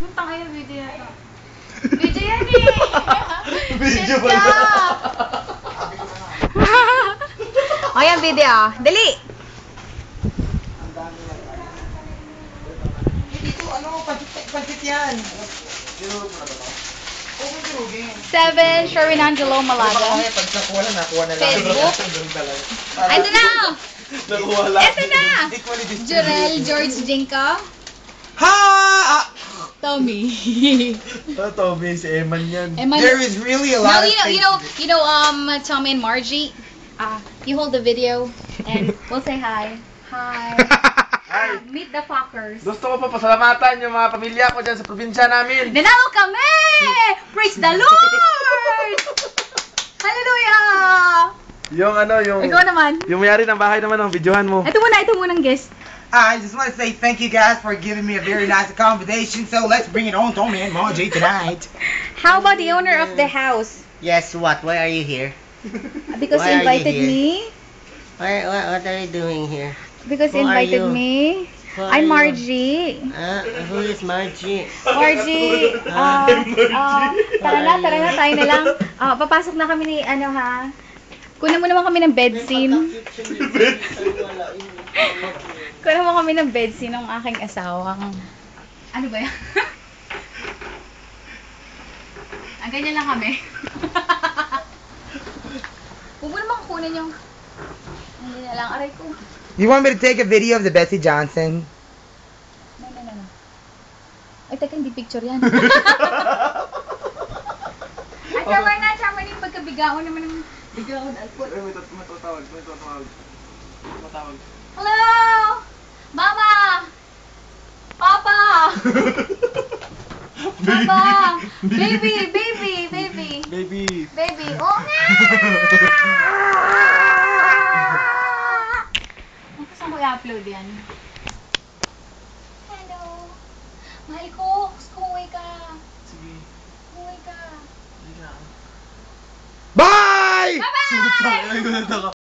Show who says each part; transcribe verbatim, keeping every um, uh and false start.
Speaker 1: Puntang kayo, video yan. Video yan eh!
Speaker 2: Video ba na?
Speaker 1: O yan, video. Dali!
Speaker 2: Dito, ano, pansit, pansit yan. Dinurog mo na ba ito? Oo, dinurugin.
Speaker 1: Seven, Sherwin Angelo Malaga.
Speaker 2: Pag nakuha na, nakuha na lang.
Speaker 1: Facebook. Ito na!
Speaker 2: Nakuha lang.
Speaker 1: Ito na! Jurel George Jinka.
Speaker 2: Ha! Ah!
Speaker 1: Tommy.
Speaker 2: Oh, Tommy, si Eman yan.
Speaker 1: Eman-
Speaker 2: There is really a
Speaker 1: No,
Speaker 2: lot
Speaker 1: you know,
Speaker 2: of
Speaker 1: you know, you know, um, Tommy and Margie. Uh, you hold the video, and we'll say hi. Hi.
Speaker 2: Hi.
Speaker 1: Uh, meet the fuckers.
Speaker 2: Gusto ko pa pasalamatan yung mga pamilya ko dyan sa probinsya namin.
Speaker 1: Nanalo kami! Praise the Lord! Hallelujah!
Speaker 2: Yung ano, yung...
Speaker 1: Ikaw naman.
Speaker 2: Yung mayari ng bahay naman, ang videohan mo.
Speaker 1: Ito muna, ito munang guest.
Speaker 3: I just want to say thank you guys for giving me a very nice accommodation. So let's bring it on, Tommy and Margie tonight.
Speaker 1: How about the owner of the house?
Speaker 4: Yes, what? Why are you here?
Speaker 1: Because
Speaker 4: Why
Speaker 1: he
Speaker 4: are you
Speaker 1: invited
Speaker 4: here?
Speaker 1: me.
Speaker 4: Why, what, what are you doing here?
Speaker 1: Because he
Speaker 4: Who are
Speaker 1: invited
Speaker 4: you?
Speaker 1: me.
Speaker 4: Who are
Speaker 1: I'm
Speaker 4: you?
Speaker 1: Margie.
Speaker 4: Uh, who is Margie?
Speaker 1: Margie, ah, ah, tara na, tara na, tayo na lang. Ah, papasok na kami ni, ano ha, kunin mo naman kami ng bed scene. Kunin mo kami ng bed scene ng aking asawang. Ano ba yan? Ah, ganyan lang kami. Huwag mo naman kunin yung, hindi na lang, aray ko.
Speaker 3: You want me to take a video of the Betsy Johnson?
Speaker 1: No, no, no, no. Ay, teka, hindi picture yan. Ay, tama na, tama na yung pagkabigaon naman ng bigaon. Alpot.
Speaker 2: Ay, may tatawag, may tatawag. Matawag.
Speaker 1: Hello! Mama! Papa! Papa! Baby! Baby! Baby!
Speaker 2: Baby.
Speaker 1: Baby! Oh nga! Saan ko i-upload yan? Hello! Mahal ko! Gusto ko umuwi ka!
Speaker 2: Sige.
Speaker 1: Umuwi ka!
Speaker 2: Hindi na.
Speaker 3: Bye!
Speaker 1: Bye-bye!
Speaker 2: Ay, gulat ako.